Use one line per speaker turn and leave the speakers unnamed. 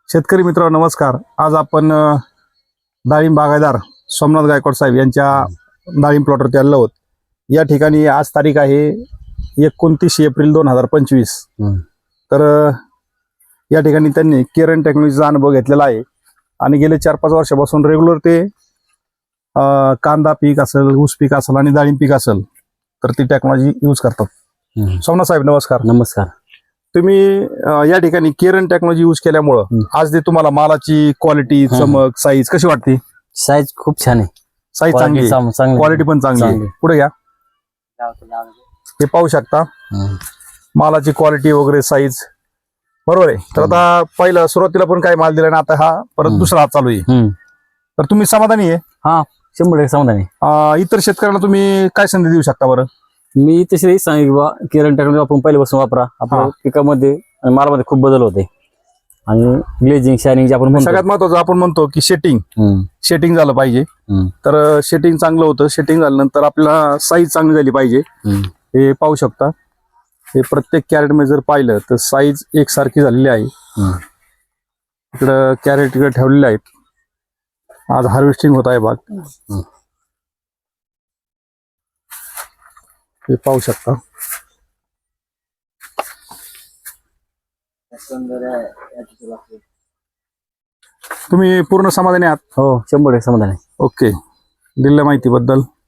शेतकरी मित्रांनो नमस्कार. आज आपण डाळिंब बागायतदार सोमनाथ गायकवाड साहेब यांच्या डाळिंब प्लॉटवरती आलेलो आहोत. या ठिकाणी आज तारीख आहे 29 एप्रिल 2025. तर या ठिकाणी त्यांनी केरन टेक्नॉलॉजीचा अनुभव घेतलेला आहे आणि गेले 4-5 वर्षापासून रेग्युलर ते कांदा पीक असेल, ऊस पीक असेल आणि डाळिंब पीक असेल तर ती टेक्नॉलॉजी यूज करतात. सोमनाथ साहेब नमस्कार.
नमस्कार.
तुम्ही या ठिकाणी केरन टेक्नॉलॉजी यूज केल्यामुळं आज ते तुम्हाला मालाची क्वालिटी, चमक, साईज कशी वाटते?
साईज खूप छान आहे.
साईज चांगली, क्वालिटी पण चांगली आहे. पुढे घ्या, हे पाहू शकता मालाची क्वालिटी वगैरे, साईज बरोबर आहे. तर आता पहिलं सुरुवातीला पण काय माल दिला ना, आता हा परत दुसरा हात चालू आहे. तर तुम्ही समाधानी आहे?
हा, 100% समाधानी.
इतर शेतकऱ्यांना तुम्ही काय संधी देऊ शकता बरं?
मी तशी सांगितलं बा, केरन टेक्नॉलॉजी आपण पहिल्यापासून वापरा. आपल्या पिकामध्ये आणि मालामध्ये खूप बदल होते आणि ग्लेजिंग, शायनिंग जे आपण म्हणतो,
सगळ्यात महत्वाचं आपण म्हणतो की शेटिंग झालं पाहिजे. तर शेटिंग चांगलं होतं. शेटिंग झाल्यानंतर आपल्याला साईज चांगली झाली पाहिजे. हे पाहू शकता, हे प्रत्येक कॅरेट मध्ये जर पाहिलं तर साईज एकसारखी झालेली आहे. इकडं कॅरेट इकडे ठेवलेले आहेत. आज हार्वेस्टिंग होत आहे भाग, हे पाहू शकता. तुम्ही पूर्ण समाधानी आहात?
हो, 100% समाधानी.
ओके, दिलेल्या माहितीबद्दल